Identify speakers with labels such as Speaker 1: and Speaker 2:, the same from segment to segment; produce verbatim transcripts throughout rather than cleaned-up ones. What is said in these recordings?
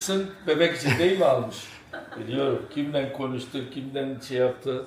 Speaker 1: Bebek için değil mi almış? Biliyorum. Kimden konuştu, kimden şey yaptı.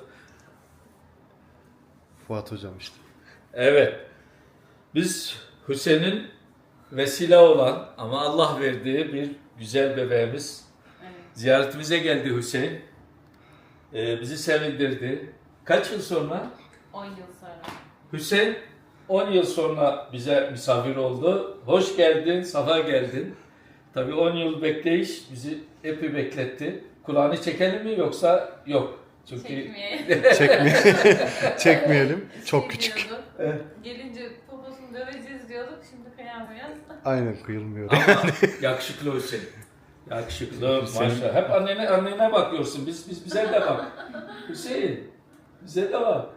Speaker 2: Fuat hocam işte.
Speaker 1: Evet. Biz Hüseyin'in vesile olan ama Allah verdiği bir güzel bebeğimiz.
Speaker 3: Evet.
Speaker 1: Ziyaretimize geldi Hüseyin. Ee, bizi sevindirdi. Kaç yıl sonra?
Speaker 3: on yıl sonra.
Speaker 1: Hüseyin on yıl sonra bize misafir oldu. Hoş geldin, safa geldin. Tabii on yıl bekleyiş bizi epey bekletti. Kulağını çekelim mi yoksa yok? Çünkü
Speaker 3: Çekmeyelim.
Speaker 2: Çekme Çekmeyelim. Çok
Speaker 3: Şey
Speaker 2: küçük.
Speaker 3: diyorduk,
Speaker 1: Evet.
Speaker 3: Gelince poposunu döveceğiz diyorduk. Şimdi kıyamıyoruz.
Speaker 2: Aynen kıyılmıyor.
Speaker 1: Ama yakışıklı Hüseyin. Yakışıklı
Speaker 2: Hüseyin.
Speaker 1: maşallah. Hep annene annene bakıyorsun. Biz biz bize de bak. Hüseyin. Bize de bak.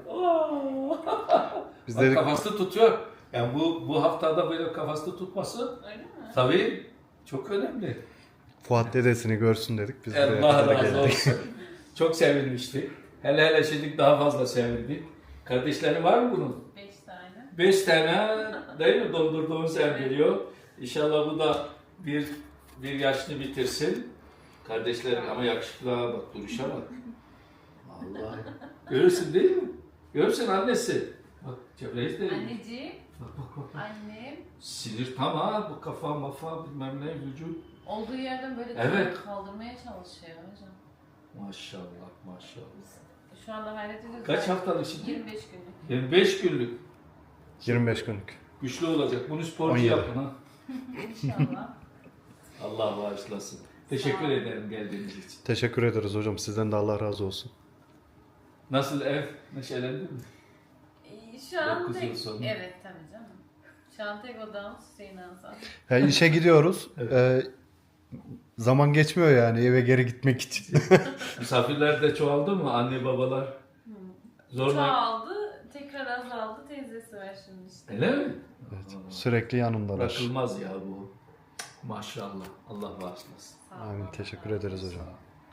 Speaker 2: Biz
Speaker 1: Bak
Speaker 2: dedik,
Speaker 1: kafası tutuyor. Yani bu bu haftada böyle kafası tutması
Speaker 3: Öyle mi?
Speaker 1: tabii çok önemli.
Speaker 2: Fuat dedesini görsün dedik. Biz buraya
Speaker 1: Allah
Speaker 2: kadar
Speaker 1: razı
Speaker 2: geldik.
Speaker 1: olsun. Çok sevinmiştik. Hele hele şimdi daha fazla sevindik. Kardeşlerin var mı bunun?
Speaker 3: Beş tane.
Speaker 1: Beş tane değil mi dondurduğun sen biliyor. İnşallah bu da bir bir yaşını bitirsin. Kardeşlerim ama yakışıklığa bak, duruşa bak. Vallahi. Görürsün değil mi? Görürsün annesi. Bak Cebrail de.
Speaker 3: Anneciğim,
Speaker 1: Bak bak bak.
Speaker 3: annem
Speaker 1: Sinir tam ha bu kafa mafa bilmem ne vücut.
Speaker 3: olduğu yerden böyle
Speaker 1: Evet.
Speaker 3: kaldırmaya çalışıyor hocam.
Speaker 1: Maşallah maşallah.
Speaker 3: Biz şu anda hayret ediyoruz.
Speaker 1: Kaç haftalık şimdi?
Speaker 3: yirmi beş günlük.
Speaker 1: yirmi beş günlük.
Speaker 2: yirmi beş günlük.
Speaker 1: Güçlü olacak. Bunu
Speaker 2: on
Speaker 1: sporcu
Speaker 2: yedi.
Speaker 1: yapın ha.
Speaker 3: İnşallah.
Speaker 1: Allah bağışlasın. Teşekkür
Speaker 3: Sağ ol.
Speaker 1: ederim geldiğiniz için.
Speaker 2: Teşekkür ederiz hocam. Sizden de Allah razı olsun.
Speaker 1: Nasıl ev? Neşelendi mi?
Speaker 3: Ee, Şu an
Speaker 1: Dokuz yıl
Speaker 3: tek...
Speaker 1: sonra.
Speaker 3: Evet tabii canım. Şu an tek odamız Hüseyin Hasan.
Speaker 2: Ya işe gidiyoruz.
Speaker 1: Evet.
Speaker 2: Ee, zaman geçmiyor yani eve geri gitmek için.
Speaker 1: Misafirler de çoğaldı mı? Anne babalar. Zorla.
Speaker 3: Çoğaldı, tekrar azaldı. Teyzesi var şimdi işte.
Speaker 1: Öyle mi?
Speaker 2: Evet,
Speaker 1: Aa,
Speaker 2: sürekli yanındalar.
Speaker 1: Bırakılmaz ya bu. Maşallah. Allah bağışlasın.
Speaker 3: Sağ ol.
Speaker 2: Amin. Teşekkür ederiz hocam.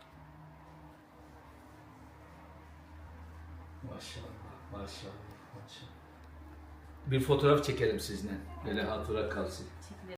Speaker 1: Maşallah. Maşallah. Maşallah. Bir fotoğraf çekelim sizinle. Böyle hatıra kalsın.
Speaker 3: Çekilelim.